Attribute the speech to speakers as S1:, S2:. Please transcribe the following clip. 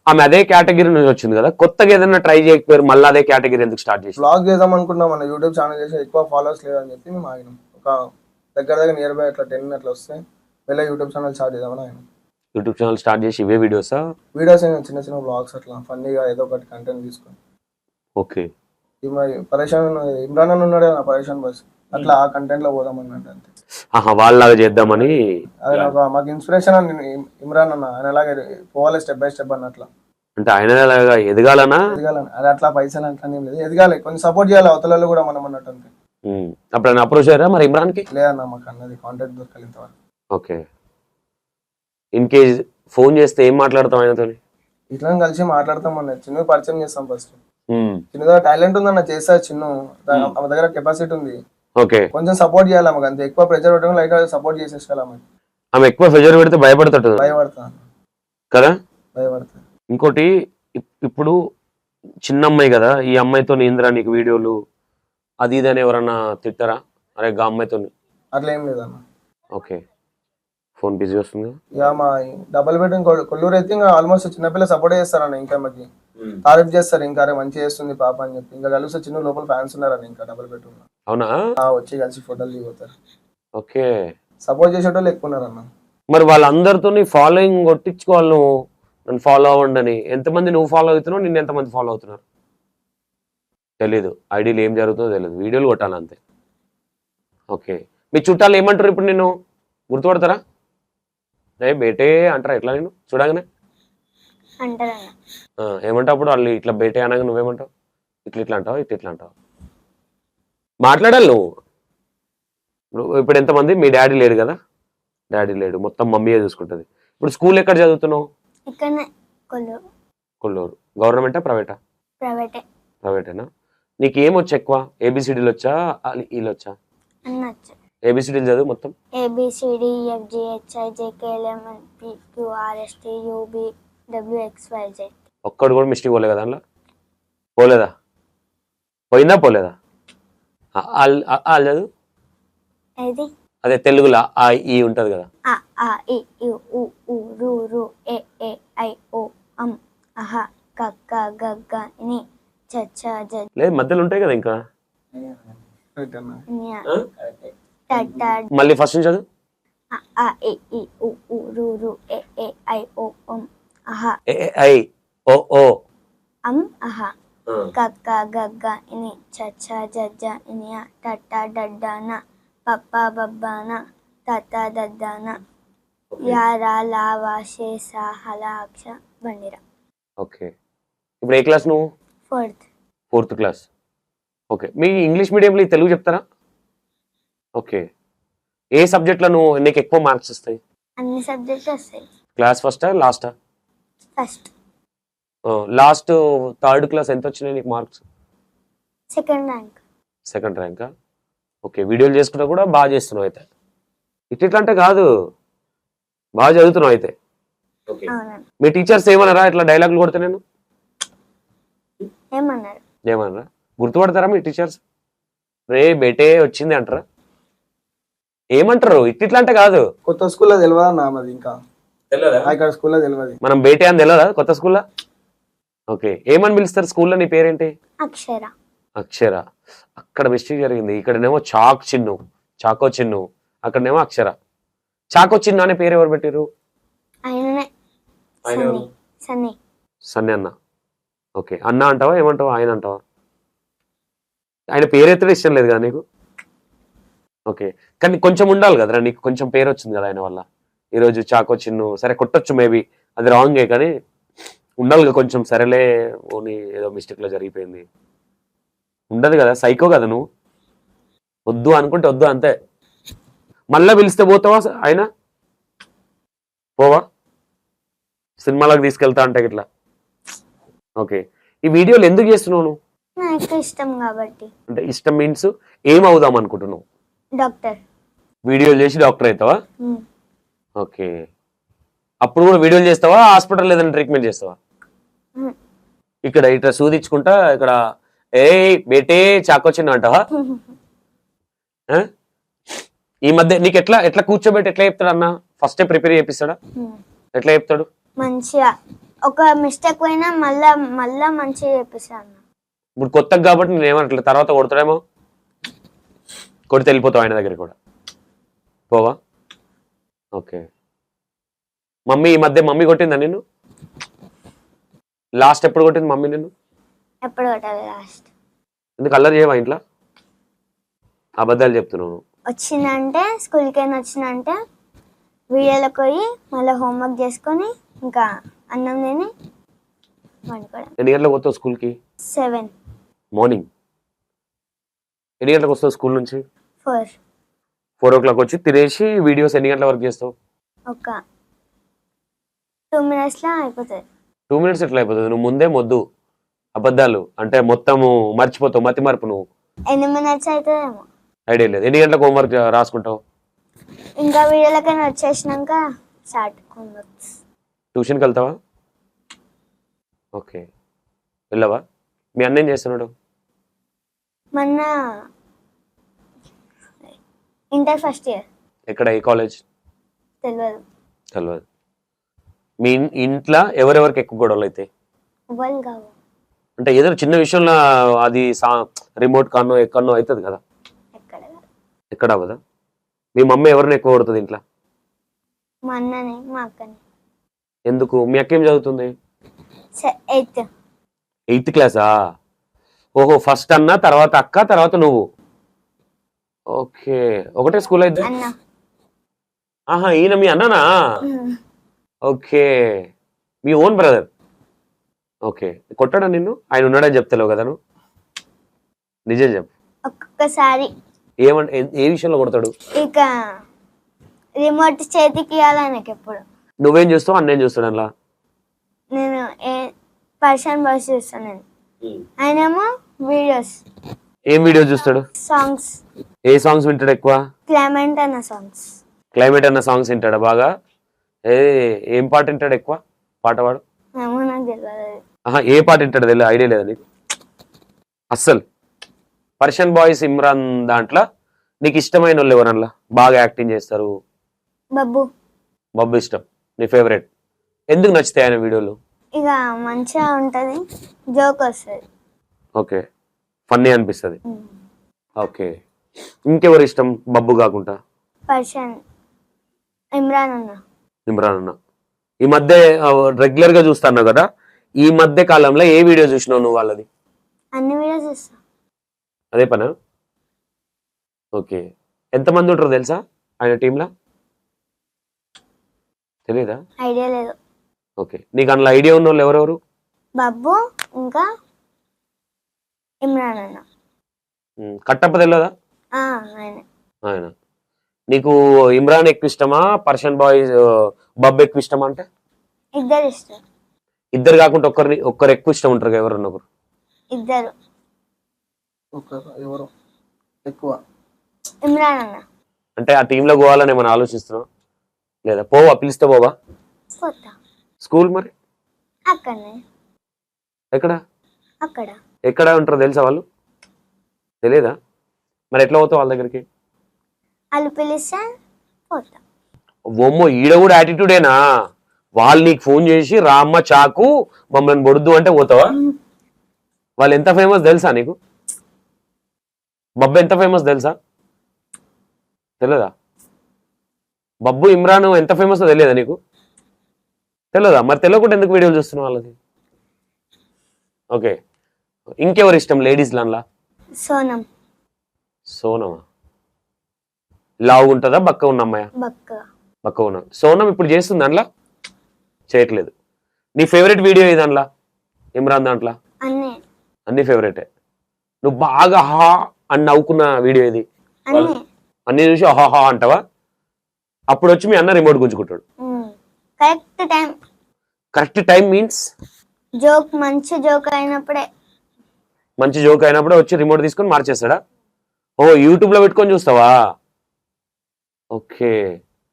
S1: ఆమె అదే కేటగిరీ నుంచి వచ్చింది కదా, కొత్తగా ఏదైనా ట్రై చేయకపోయారు, మళ్ళీ అదే కేటగిరీ ఎందుకు స్టార్ట్ చేసి?
S2: బ్లాగ్ చేద్దాం అనుకున్నాం, మన యూట్యూబ్ ఛానల్ చేసి ఎక్కువ ఫాలోవర్స్ లేదని చెప్పి మేము ఆగినాం. ఒక దగ్గర నియర్ బై అట్లా 10 అట్లా వస్తే వెళ్ళి యూట్యూబ్ ఛానల్ స్టార్ట్ చేద్దామని ఆయన.
S1: యూట్యూబ్ ఛానల్ స్టార్ట్ చేసి ఇవే వీడియోసా?
S2: వీడియోస్ చిన్న చిన్న బ్లాగ్స్ అట్లా ఫన్నీగా ఏదో ఒకటి కంటెంట్ తీసుకొని.
S1: ఓకే.
S2: పరేషాన్ ఇమ్రాన్ అని ఉన్నాడు కదా, పరేషాన్ బస్ అట్లా ఆ కంటెంట్ లో పోదాం అన్నట్టు అంతే.
S1: వాళ్ళలాగా చేద్దామని.
S2: అది మాకు ఇన్స్పిరేషన్ ఇమ్రాన్ అన్న, ఆయన అలాగే పోవాలి స్టెప్ బై స్టెప్ అన్నట్లా.
S1: అంటే ఆయన ఎదగాలనా?
S2: ఎదగాలని, అది అట్లా పైసలు అట్లా ఏం లేదు, ఎదగాలి, కొంచెం సపోర్ట్ చేయాలి అవతలలో కూడా మనం అన్నట్టు అంతే.
S1: అప్పుడు ఆయన అప్రోచ్ అయ్యారా మరి ఇమ్రాన్ కి?
S2: లేదన్న, మాకు అన్నది కాంటాక్ట్ దొరకాలి ఇంతవరకు.
S1: ఓకే. ఇన్ కేస్ ఫోన్ చేస్తే ఏం మాట్లాడతాం ఆయనతో?
S2: ఇట్లా కలిసి మాట్లాడతాం అన్న, చిన్న పరిచయం చేస్తాం ఫస్ట్. చిన్నగా టాలెంట్ ఉందన్న, చేస్తా చిన్న, ఆమె దగ్గర కెపాసిటీ ఉంది.
S1: ఓకే.
S2: కొంచెం సపోర్ట్ చేయాలి ఆమెకు అంతే, ఎక్కువ ప్రెజర్ పెట్టడం లైట్ సపోర్ట్ చేసేసుకోవాలి ఆమె.
S1: ఆమె ఎక్కువ ప్రెజర్ పెడితే భయపడతాడు కదా.
S2: భయపడతా.
S1: ఇంకోటి, ఇప్పుడు చిన్న అమ్మాయి కదా, ఈ అమ్మాయితో ఏందిరా నీకు వీడియోలు అది ఇది అని ఎవరన్నా తిట్టారా? అరే గా అమ్మాయితో
S2: అట్లా ఏం లేదన్న.
S1: ఓకే. ఫోన్ బిజీ వస్తుంది.
S2: ఇక మా డబుల్ బెడ్రూమ్ కొల్లూరు అయితే ఇంకా ఆల్మోస్ట్ చిన్నపిల్ల సపోర్ట్ చేస్తారన్న, ఇంకా మాకి తారీఫ్ చేస్తారు, ఇంకా అరే మంచిగా చేస్తుంది పాప అని చెప్పి. ఇంకా కలిసి చిన్న లోపల ఫ్యాన్స్ ఉన్నారని ఇంకా డబుల్ బెడ్రూమ్.
S1: అవునా?
S2: వచ్చి కలిసి ఫోటోలు దిగుతారు.
S1: ఓకే.
S2: సపోర్ట్ చేసేటోళ్ళు ఎక్కువ ఉన్నారన్న.
S1: మరి వాళ్ళందరితో ఫాలోయింగ్ కొట్టించుకోవాలి, నువ్వు నన్ను ఫాలో అవ్వండి అని. ఎంతమంది నువ్వు ఫాలో అవుతున్నావు, నిన్ను ఎంతమంది ఫాలో అవుతున్నారు తెలీదు, ఐడీలు ఏం జరుగుతుందో తెలియదు, వీడియోలు కొట్టాలి అంతే. ఓకే. మీ చుట్టాలు ఏమంటారు ఇప్పుడు? నిన్ను గుర్తుపడతారా? రే బేటే అంటారా ఎట్లా నేను చూడగానే? ఏమంటావు అప్పుడు వాళ్ళు? ఇట్లా బేటే అనగా నువ్వేమంటావు? ఇట్లా ఇట్లా అంటావు, ఇట్లా అంటావు? మాట్లాడాలి నువ్వు. ఇప్పుడు ఎంతమంది? మీ డాడీ లేడు కదా, డాడీ లేడు, మొత్తం మమ్మీయే చూసుకుంటుంది. ఇప్పుడు స్కూల్ ఎక్కడ చదువుతున్నావు? కొల్లూరు. గవర్నమెంటా ప్రైవేటా? ప్రైవేటేనా? నీకు ఏమొచ్చు ఎక్కువ? ఏబిసిడీలు వచ్చా, వీళ్ళు వచ్చా? ఏబిసిడీలు చదువు మొత్తం. ఒక్కడు కూడా మిస్టేక్ పోలే కదా అందులో? పోలేదా? పోయిందా పోలేదా? వాళ్ళు చదువు అదే తెలుగులో ఆ ఈ ఉంటది కదా. లేదు మధ్యలో ఉంటాయి కదా ఇంకా. మళ్ళీ ఫస్ట్ నుంచి చదువు. ఐ ఓ ఓ
S3: కక్క గగ్గ ఇని చచ్చ జజ్జ ఇనియ టట్ట డడ్డాన పప్ప బబ్బాన తత్త దద్దాన యారా లావా షేసా హలాక్ష బండిరా.
S1: ఓకే. ఇప్పుడు ఏ క్లాస్ నువ్వు? Fourth class. ఓకే. మీ ఇంగ్లీష్ మీడియంలో తెలుగు చెప్తారా? ఓకే. ఏ సబ్జెక్ట్లో నువ్వు నీకు ఎక్కువ మార్క్స్ వస్తాయి?
S3: అన్ని సబ్జెక్ట్స్ వస్తాయి.
S1: క్లాస్ ఫస్టా లాస్టా?
S3: ఫస్ట్.
S1: లాస్ట్ థర్డ్ క్లాస్ ఎంత వచ్చినాయి నీకు మార్క్స్? సెకండ్ ర్యాంకా? ఓకే. వీడియోలు చేసుకుంటా కూడా బాగా చేస్తున్నావు అయితే. ఇట్లా అంటే కాదు, బాగా చదువుతున్నావు అయితే. మీ టీచర్స్ ఏమన్నారా ఇట్లా డైలాగులు కొడితే? నేను ఏమన్నారా? గుర్తుపడతారా మీ టీచర్స్? రే బేటే వచ్చింది అంటారా? ఏమంటారు? ఇట్లా అంటే కాదు.
S2: కొత్త స్కూల్లో తెలియదా నాది? ఇంకా ఇక్కడ స్కూల్లో తెలియదు.
S1: మనం బేటే అని తెలియదా కొత్త స్కూల్లో? ఓకే. ఏమని పిలుస్తారు స్కూల్లో? నీ పేరేంటి? అక్షర. అక్కడ మిస్టేక్ జరిగింది. ఇక్కడనేమో చాకో చిన్ను, అక్కడనేమో అక్షర. చాకో చిన్ను అనే పేరు ఎవరు పెట్టారు? సన్నీ అన్న. ఓకే. అన్న అంటావా ఏమంటావా? ఆయన అంటావా? ఆయన పేరు ఎత్తడం ఇష్టం లేదు కదా నీకు? ఓకే. కానీ కొంచెం ఉండాలి కదరా నీకు, కొంచెం పేరు వచ్చింది కదా ఆయన వల్ల. ఈరోజు చాకో చిన్ను సరే కొట్టొచ్చు, మేబీ అది రాంగే, కానీ ఉండాలి కొంచెం. సరేలే ఓని ఏదో మిస్టేక్లో జరిగిపోయింది ఉండదు కదా, సైకో కదా నువ్వు. వద్దు అనుకుంటే వద్దు అంతే. మళ్ళా పిలిస్తే పోతావా? ఆయన పోవా? సినిమాలకు తీసుకెళ్తా అంటే ఇట్లా. ఓకే. ఈ వీడియోలు ఎందుకు చేస్తున్నావు నువ్వు?
S3: ఇష్టం కాబట్టి.
S1: అంటే ఇష్టం మీన్స్ ఏం అవుదాం అనుకుంటున్నావు?
S3: డాక్టర్.
S1: వీడియోలు చేసి డాక్టర్ అవుతావా? ఓకే. అప్పుడు కూడా వీడియోలు చేస్తావా? హాస్పిటల్ ఏదైనా ట్రీట్మెంట్ చేస్తావా? ఇక్కడ ఇట్లా సూదించుకుంటా ఇక్కడ ఏ బేటే చాకొచ్చిన అంటావా? ఈ మధ్య నీకు ఎట్లా కూర్చోబెట్టి ఎట్లా చెప్తాడు అన్న? ఫస్టే ప్రిపేర్ చేపిస్తాడా? ఎట్లా చెప్తాడు?
S3: మంచిగా ఒక మిస్టేక్ పోయినా మళ్ళా మళ్ళా మంచిగా చేపిస్తాను అన్న.
S1: ఇప్పుడు కొత్తగా కాబట్టి నేను ఏమనట్లేదు, తర్వాత కొడతాడేమో, కొడితే వెళ్ళిపోతావు ఆయన దగ్గర కూడా పోవా? ఓకే. మమ్మీ ఈ మధ్య మమ్మీ కొట్టిందా నిన్ను? లాస్ట్ ఎప్పుడు కొట్టింది మమ్మీ నిన్ను?
S3: ఎప్పుడు కొట్టాలి లాస్ట్?
S1: ఎందుకు అల్లరి చేయవా ఇంట్లో? అబద్ధాలు చెప్తున్నావు.
S3: వచ్చిందంటే స్కూల్కి అయినా వచ్చిందంటే వీడియోలోకి పోయి మళ్ళీ హోంవర్క్ చేసుకొని ఇంకా అన్నం తిని వండుకోవడం.
S1: ఎన్ని గంటలకు వస్తావు స్కూల్కి?
S3: 7,
S1: మార్నింగ్. ఎన్ని గంటలకు వస్తావు స్కూల్ నుంచి?
S3: 4
S1: 4 o'clock వచ్చి తినేసి వీడియోస్ ఎన్ని గంటల వరకు చేస్తావు?
S3: ఒక 2 minutesలో అయిపోతుంది.
S1: 2 minutes ఎట్లా అయిపోతుంది? నువ్వు ముందే మొద్దు అబద్ధాలు అంటే మొత్తము మర్చిపోతావు, మతి మార్పు. నువ్వు
S3: ఎన్ని మినిట్స్ అవుతుందేమో
S1: ఐడియా లేదు. ఎన్ని గంటలకు హోంవర్క్ రాసుకుంటావు?
S3: ఇంకా వీడియోలకైనా వచ్చేసినాక స్టార్ట్ హోంవర్క్స్.
S1: ట్యూషన్కి వెళ్తావా? ఓకే. వెళ్ళవా? మీ అన్న ఏం చేస్తున్నాడు?
S3: మొన్న ఇంటర్ ఫస్ట్ ఇయర్.
S1: ఎక్కడ, ఏ కాలేజ్?
S3: తెలియదు.
S1: తెలియదు. మీ ఇంట్లో ఎవరెవరికి ఎక్కువ గొడవలు అయితే?
S3: వాళ్ళు కావు.
S1: అంటే ఏదైనా చిన్న విషయంలో అది రిమోట్ కానో ఎక్కడనో అవుతుంది కదా,
S3: ఎక్కడ కాదు.
S1: ఎక్కడ అవ్వదా? మీ మమ్మీ ఎవరిని ఎక్కువ కొడుతుంది ఇంట్లో?
S3: మా అన్నని మా అక్కని.
S1: ఎందుకు? మీ అక్క ఏం చదువుతుంది?
S3: 8th.
S1: 8th క్లాసా? ఓహో, ఫస్ట్ అన్న, తర్వాత అక్క, తర్వాత నువ్వు. ఓకే. ఒకటే స్కూల్ అయితే?
S3: అన్న.
S1: ఆహా, ఈయన మీ అన్ననా? ఓకే, మీ ఓన్ బ్రదర్. ఓకే. కొట్టాడా నిన్ను? ఆయన ఉన్నాడని చెప్తలేవు కదా నువ్వు? నిజం చెప్పు.
S3: ఒక్కొక్కసారి
S1: ఏమంటే ఏ విషయంలో కొడతాడు?
S3: ఇక రిమోట్ చేతికి ఇవ్వాలి ఆయనకి ఎప్పుడు.
S1: నువ్వేం చూస్తావు, అన్నేం చూస్తాడు అలా?
S3: నేను పర్సన్ బాయ్స్ చూస్తాను నేను, ఆయనేమో వీడియోస్.
S1: ఏం వీడియోస్ చూస్తాడు?
S3: సాంగ్స్.
S1: ఏ సాంగ్స్ వింటాడు ఎక్కువ?
S3: క్లైమేట్ అన్న సాంగ్స్.
S1: క్లైమేట్ అన్న సాంగ్స్ వింటాడా బాగా? ఏం పాట వింటాడు ఎక్కువ? పాట పాడు.
S3: ఏమో నాకు తెలియదు.
S1: ఆహా, ఏ పాట వింటాడు తెలియదు, ఐడియా లేదా నీకు అస్సలు? పర్షియన్ బాయ్స్ ఇమ్రాన్ దాంట్లో నీకు ఇష్టమైన వాళ్ళు ఎవరన్నా బాగా యాక్టింగ్ చేస్తారు?
S3: బబ్బు.
S1: బబ్బు ఇష్టం, నీ ఫేవరెట్. ఎందుకు నచ్చుతాయి ఆయన వీడియోలు?
S3: ఇక మంచిగా ఉంటది, జోక్ వస్తుంది.
S1: ఓకే, ఫన్నీ అనిపిస్తుంది. ఓకే. ఇంకెవరు ఇష్టం బబ్బు కాకుండా?
S3: పర్సన్ ఇమ్రాన్ అన్న.
S1: ఇమ్రాన్ అన్న. ఈ మధ్య రెగ్యులర్ గా చూస్తాను కదా, ఈ మధ్య కాలంలో ఏ వీడియో చూసినావు నువ్వు వాళ్ళది?
S3: అన్ని వీడియోస్ చూస్తా.
S1: అదే పనా? ఓకే. ఎంతమంది ఉంటారో తెలుసా ఆయన టీంలో? తెలీదా?
S3: ఐడియా లేదు.
S1: ఓకే. నీకు అందులో ఐడియా ఉన్న వాళ్ళు ఎవరెవరు?
S3: బబ్బు ఇంకా ఇమ్రాన్ అన్న.
S1: కట్టప్ప తెలియదా?
S3: ఆయన.
S1: ఆయన. నీకు ఇమ్రాన్ ఎక్కువ ఇష్టమా, పర్షియన్ బాయ్ బబ్బు ఎక్కువ ఇష్టమా? అంటే
S3: ఇద్దరు ఇష్టం.
S1: ఇద్దరు కాకుండా ఒక్కరు ఎక్కువ ఇష్టం ఉంటారు కదా, ఎవరన్నా ఒకరు?
S3: ఇద్దరు.
S2: ఎవరు ఎక్కువ?
S3: ఇమ్రాన్ అన్న.
S1: అంటే ఆ టీంలో పోవాలని ఏమైనా ఆలోచిస్తున్నావు లేదా? పోవా? పిలిస్తే పోవా?
S3: పోతా.
S1: స్కూల్ మరి
S3: అక్కడనే.
S1: ఎక్కడ?
S3: అక్కడ.
S1: ఎక్కడ ఉంటారో తెలుసా వాళ్ళు? తెలియదా? మరి ఎట్లా పోతావు వాళ్ళ దగ్గరికి?
S3: వాళ్ళు పిలిస్తే పోతా.
S1: ఓమ్మో, ఈడ కూడా యాటిట్యూడేనా? వాళ్ళు నీకు ఫోన్ చేసి రామ్మ చాకు మమ్మల్ని బొడుద్దు అంటే పోతావా? వాళ్ళు ఎంత ఫేమస్ తెలుసా నీకు? బబ్బు ఎంత ఫేమస్ తెలుసా? తెలియదా? బబ్బు ఇమ్రాన్ ఎంత ఫేమస్ తెలియదా నీకు? తెలియదా? మరి తెలియకుండా ఎందుకు వీడియోలు చూస్తున్నావు వాళ్ళది? ఓకే. ఇంకెవరు ఇష్టం లేడీస్ లాన్లా?
S3: సోనం.
S1: సోనమా? లావు ఉంటుందా, బక్క ఉన్న అమ్మాయా?
S3: బక్క.
S1: బక్క ఉన్నా. సోనం ఇప్పుడు చేస్తుంది దాంట్లో? చేయట్లేదు. నీ ఫేవరెట్ వీడియో ఏది దాంట్లో ఇమ్రాన్ దాంట్లో? అన్ని ఫేవరెటే. నువ్వు బాగా హా అని నవ్వుకున్న వీడియో ఏది? అన్ని చూసి హా అంటావా? అప్పుడు వచ్చి మీ అన్న రిమోట్ గుంజుకుంటాడు.
S3: Correct time.
S1: Correct time means
S3: joke, మంచి జోక్ అయినప్పుడే.
S1: మంచి జోక్ అయినప్పుడే వచ్చి రిమోట్ తీసుకొని మార్చేస్తాడా? ఓ, యూట్యూబ్ లో పెట్టుకొని చూస్తావా? ఓకే.